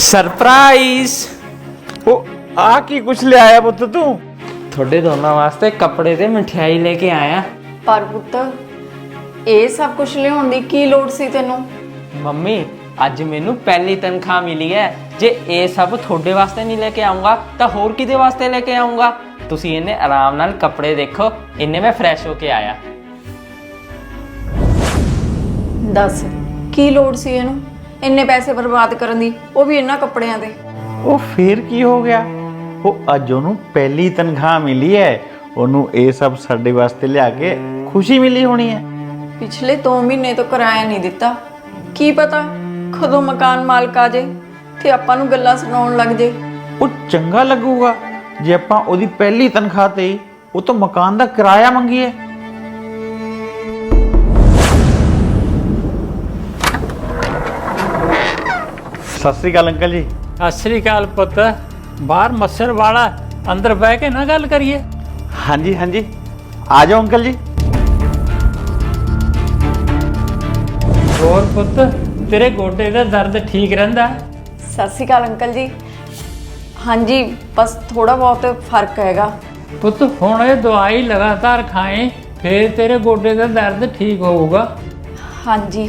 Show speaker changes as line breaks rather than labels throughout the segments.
Surprise
आ की कुछ ले आया पुत्त तू?
थोड़े दोनों वास्ते कपड़े ते मिठाई लेके आया।
पर पुੱਤ ਇਹ ਸਭ ਕੁਝ ਲਿਆਉਣ ਦੀ ਕੀ ਲੋੜ ਸੀ ਤੈਨੂੰ?
मम्मी अज मैनू पहली तनख्वाह मिली है, जे ये सब थोड़े वास्ते नहीं लेके आऊँगा तो होर किदे वास्ते लेके आऊँगा। तुसी इन्हें आराम नाल कपड़े देखो, इन्हें मैं फ्रैश होके आया।
ਦੱਸ ਕੀ ਲੋੜ ਸੀ ਇਹਨੂੰ ਇੰਨੇ ਪੈਸੇ ਬਰਬਾਦ ਕਰਨ ਦੀ, ਉਹ ਵੀ ਇਹਨਾਂ ਕੱਪੜਿਆਂ ਤੇ?
ਉਹ ਫੇਰ ਕੀ ਹੋ ਗਿਆ? ਉਹ ਅੱਜ ਉਹਨੂੰ ਪਹਿਲੀ ਤਨਖਾਹ ਮਿਲੀ ਹੈ, ਉਹਨੂੰ ਇਹ ਸਭ ਸਾਡੇ ਵਾਸਤੇ ਲਿਆ ਕੇ ਖੁਸ਼ੀ ਮਿਲੀ ਹੋਣੀ ਹੈ।
ਪਿਛਲੇ 2 ਮਹੀਨੇ ਤੋਂ ਕਿਰਾਇਆ ਨਹੀਂ ਦਿੱਤਾ, ਕੀ ਪਤਾ ਕਦੋਂ ਮਕਾਨ ਮਾਲਕ ਆ ਜੇ ਤੇ ਆਪਾਂ ਨੂੰ ਗੱਲਾਂ ਸੁਣਾਉਣ ਲੱਗ ਜੇ।
ਉਹ ਚੰਗਾ ਲੱਗੂਗਾ ਜੇ ਆਪਾਂ ਉਹਦੀ ਪਹਿਲੀ ਤਨਖਾਹ ਤੇ ਉਹ ਤੋਂ ਮਕਾਨ ਦਾ ਕਿਰਾਇਆ ਮੰਗੀਏ। ਸਤਿ ਸ੍ਰੀ ਅਕਾਲ ਅੰਕਲ ਜੀ।
ਸਤਿ ਸ੍ਰੀ ਅਕਾਲ ਪੁੱਤ। ਬਾਹਰ ਮੱਛਰ ਵਾਲਾ, ਅੰਦਰ ਬਹਿ ਕੇ ਨਾ ਗੱਲ ਕਰੀਏ।
ਹਾਂਜੀ ਹਾਂਜੀ, ਆ ਜਾਓ ਅੰਕਲ ਜੀ।
ਹੋਰ ਪੁੱਤ, ਤੇਰੇ ਗੋਡੇ ਦਾ ਦਰਦ ਠੀਕ ਰਹਿੰਦਾ?
ਸਤਿ ਸ਼੍ਰੀ ਅਕਾਲ ਅੰਕਲ ਜੀ। ਹਾਂਜੀ ਬਸ ਥੋੜਾ ਬਹੁਤ ਫਰਕ ਹੈਗਾ।
ਪੁੱਤ ਹੁਣ ਇਹ ਦਵਾਈ ਲਗਾਤਾਰ ਖਾਏ, ਫੇਰ ਤੇਰੇ ਗੋਡੇ ਦਾ ਦਰਦ ਠੀਕ ਹੋਊਗਾ।
ਹਾਂਜੀ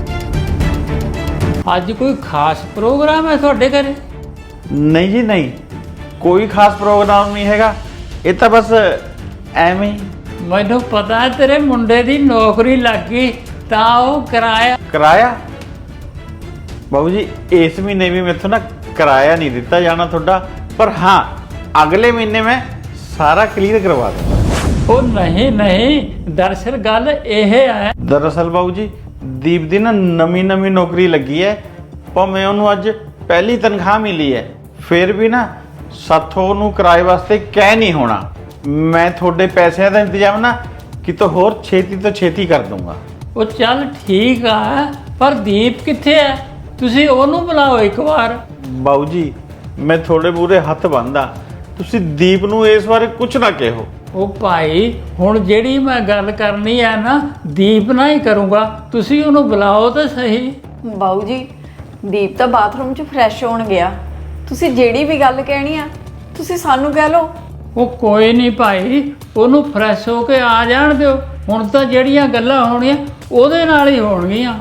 ਅੱਜ ਕੋਈ ਖਾਸ ਪ੍ਰੋਗਰਾਮ ਹੈ ਤੁਹਾਡੇ ਘਰੇ?
ਨਹੀਂ ਜੀ ਨਹੀਂ, ਕੋਈ ਖਾਸ ਪ੍ਰੋਗਰਾਮ ਨਹੀਂ ਹੈਗਾ, ਇਹ ਤਾਂ ਬਸ ਐਵੇਂ ਹੀ।
ਮੈਨੂੰ ਪਤਾ ਹੈ ਤੇਰੇ ਮੁੰਡੇ ਦੀ ਨੌਕਰੀ ਲੱਗ ਗਈ, ਤਾਂ ਉਹ
ਕਿਰਾਇਆ ਬਾਬੂ ਜੀ ਇਸ ਮਹੀਨੇ ਵੀ ਮੈਥੋਂ ਨਾ ਕਿਰਾਇਆ ਨਹੀਂ ਦਿੱਤਾ ਜਾਣਾ ਤੁਹਾਡਾ, ਪਰ ਹਾਂ ਅਗਲੇ ਮਹੀਨੇ ਮੈਂ ਸਾਰਾ ਕਲੀਅਰ ਕਰਵਾ ਦੂੰਗਾ।
ਉਹ ਨਹੀਂ, ਦਰਅਸਲ ਗੱਲ ਇਹ ਹੈ।
ਦਰਅਸਲ ਬਾਬੂ ਜੀ ਦੀਪ ਦੀ ਨਾ ਨਵੀਂ ਨੌਕਰੀ ਲੱਗੀ ਹੈ, ਭਾਵੇਂ ਉਹਨੂੰ ਅੱਜ ਪਹਿਲੀ ਤਨਖਾਹ ਮਿਲੀ ਹੈ, ਫਿਰ ਵੀ ਨਾ ਸਾਥੋਂ ਉਹਨੂੰ ਕਿਰਾਏ ਵਾਸਤੇ ਕਹਿ ਨਹੀਂ ਹੋਣਾ। ਮੈਂ ਤੁਹਾਡੇ ਪੈਸਿਆਂ ਦਾ ਇੰਤਜ਼ਾਮ ਨਾ ਕਿਤੋਂ ਹੋਰ ਛੇਤੀ ਤੋਂ ਛੇਤੀ ਕਰ ਦੂੰਗਾ।
ਉਹ ਚੱਲ ਠੀਕ ਆ, ਪਰ ਦੀਪ ਕਿੱਥੇ ਹੈ? ਤੁਸੀਂ ਉਹਨੂੰ ਬੁਲਾਓ ਇੱਕ ਵਾਰ।
ਬਾਊ ਜੀ ਮੈਂ ਥੋੜੇ ਬੂਰੇ ਹੱਥ ਬੰਨਦਾ, ਤੁਸੀਂ ਦੀਪ ਨੂੰ ਇਸ ਬਾਰੇ ਕੁਝ ਨਾ ਕਹੋ।
ਉਹ ਭਾਈ ਹੁਣ ਜਿਹੜੀ ਮੈਂ ਗੱਲ ਕਰਨੀ ਹੈ ਨਾ ਦੀਪ ਨਾਲ ਹੀ ਕਰੂੰਗਾ, ਤੁਸੀਂ ਉਹਨੂੰ ਬੁਲਾਓ ਤਾਂ ਸਹੀ।
ਬਾਊ ਜੀ ਦੀਪ ਤਾਂ ਬਾਥਰੂਮ 'ਚ ਫਰੈਸ਼ ਹੋਣ ਗਿਆ, ਤੁਸੀਂ ਜਿਹੜੀ ਵੀ ਗੱਲ ਕਹਿਣੀ ਆ ਤੁਸੀਂ ਸਾਨੂੰ ਕਹਿ ਲਓ।
ਉਹ ਕੋਈ ਨਹੀਂ ਭਾਈ, ਉਹਨੂੰ ਫਰੈਸ਼ ਹੋ ਕੇ ਆ ਜਾਣ ਦਿਓ। ਹੁਣ ਤਾਂ ਜਿਹੜੀਆਂ ਗੱਲਾਂ ਹੋਣੀਆਂ ਉਹਦੇ ਨਾਲ ਹੀ ਹੋਣਗੀਆਂ।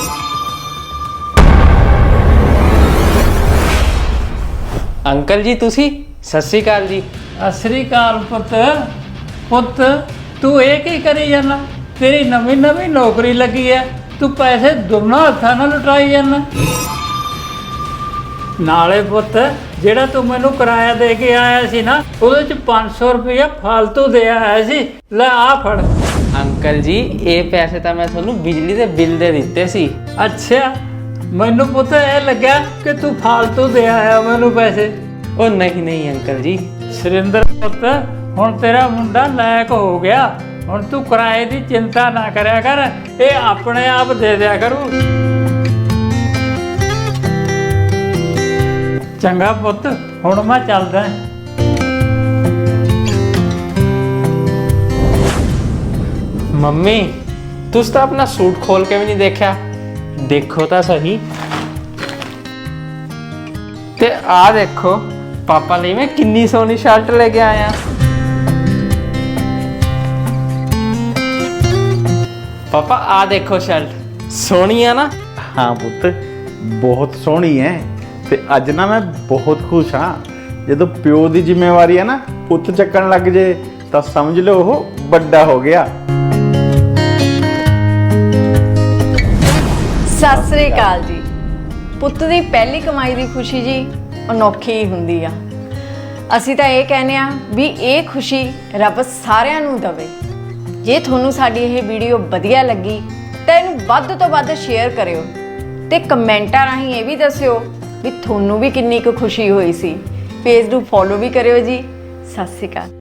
अंकल जी तुसी सत श्री अकाल जी।
ਸਤਿ ਸ੍ਰੀ ਅਕਾਲ ਪੁੱਤ ਤੂੰ ਇਹ ਕੀ ਕਰੀ ਜਾਂਦਾ? ਤੇਰੀ ਨਵੀਂ ਨੌਕਰੀ ਲੱਗੀ ਹੈ, ਤੂੰ ਪੈਸੇ ਦੋਨਾਂ ਹੱਥਾਂ ਨਾਲ ਲੁਟਾਈ ਜਾਂਦਾ। ਨਾਲੇ ਪੁੱਤ ਜਿਹੜਾ ਤੂੰ ਮੈਨੂੰ ਕਿਰਾਇਆ ਦੇ ਕੇ ਆਇਆ ਸੀ ਨਾ, ਉਹਦੇ ਚ 500 ਰੁਪਇਆ ਫालतू ਦੇ ਆਇਆ ਸੀ। ਲੈ ਆ ਫੜ।
अंकल जी ये पैसे तो मैं थोनू बिजली के बिल दे दिते सी।
ਅੱਛਾ ਮੈਨੂੰ ਪੁੱਤ ਇਹ ਲੱਗਿਆ ਕਿ ਤੂੰ ਫालतू ਦੇ ਆਇਆ ਮੈਨੂੰ ਪੈਸੇ।
ओ नहीं अंकल जी।
ਸੁਰਿੰਦਰ ਪੁੱਤ ਹੁਣ ਤੇਰਾ ਮੁੰਡਾ ਲਾਇਕ ਹੋ ਗਿਆ, ਹੁਣ ਤੂੰ ਕਿਰਾਏ ਦੀ ਚਿੰਤਾ ਨਾ ਕਰਿਆ ਕਰ, ਇਹ ਆਪਣੇ ਆਪ ਦੇ ਦਿਆ ਕਰੂ। ਚੰਗਾ ਪੁੱਤ ਹੁਣ ਮੈਂ ਚੱਲਦਾ।
मम्मी तुस तो अपना सूट खोल के भी नहीं देखा, देखो तो सही। ते आ देखो पापा लिए मैं किन्नी सोहनी शर्ट लेके आया। पापा आ देखो शर्ट सोहनी है ना?
हाँ पुੱਤ ਬਹੁਤ ਸੋਹਣੀ ਹੈ, ਤੇ ਅੱਜ ਨਾ ਮੈਂ ਬਹੁਤ ਖੁਸ਼ ਹਾਂ। ਜਦੋਂ ਪਿਓ ਦੀ ਜ਼ਿੰਮੇਵਾਰੀ ਹੈ ਨਾ ਪੁੱਤ ਚੱਕਣ ਲੱਗ ਜੇ ਤਾਂ ਸਮਝ ਲਓ ਉਹ ਵੱਡਾ ਹੋ ਗਿਆ।
ਸਤਿ ਸ੍ਰੀ ਅਕਾਲ ਜੀ। ਪੁੱਤ ਦੀ ਪਹਿਲੀ ਕਮਾਈ ਦੀ ਖੁਸ਼ੀ ਜੀ ਅਨੋਖੀ ਹੀ ਹੁੰਦੀ ਆ। ਅਸੀਂ ਤਾਂ ਇਹ ਕਹਿੰਦੇ ਆ ਵੀ ਇਹ ਖੁਸ਼ੀ ਰੱਬ ਸਾਰਿਆਂ ਨੂੰ ਦੇਵੇ। ਜੇ ਤੁਹਾਨੂੰ ਸਾਡੀ ਇਹ ਵੀਡੀਓ ਵਧੀਆ ਲੱਗੀ ਤਾਂ ਇਹਨੂੰ ਵੱਧ ਤੋਂ ਵੱਧ ਸ਼ੇਅਰ ਕਰਿਓ ਤੇ ਕਮੈਂਟਾਂ ਰਾਹੀਂ ਇਹ ਵੀ ਦੱਸਿਓ ਵੀ ਤੁਹਾਨੂੰ ਵੀ ਕਿੰਨੀ ਕੁ ਖੁਸ਼ੀ ਹੋਈ ਸੀ। ਪੇਜ ਨੂੰ ਫੋਲੋ ਵੀ ਕਰਿਓ ਜੀ। ਸਤਿ ਸ੍ਰੀ ਅਕਾਲ।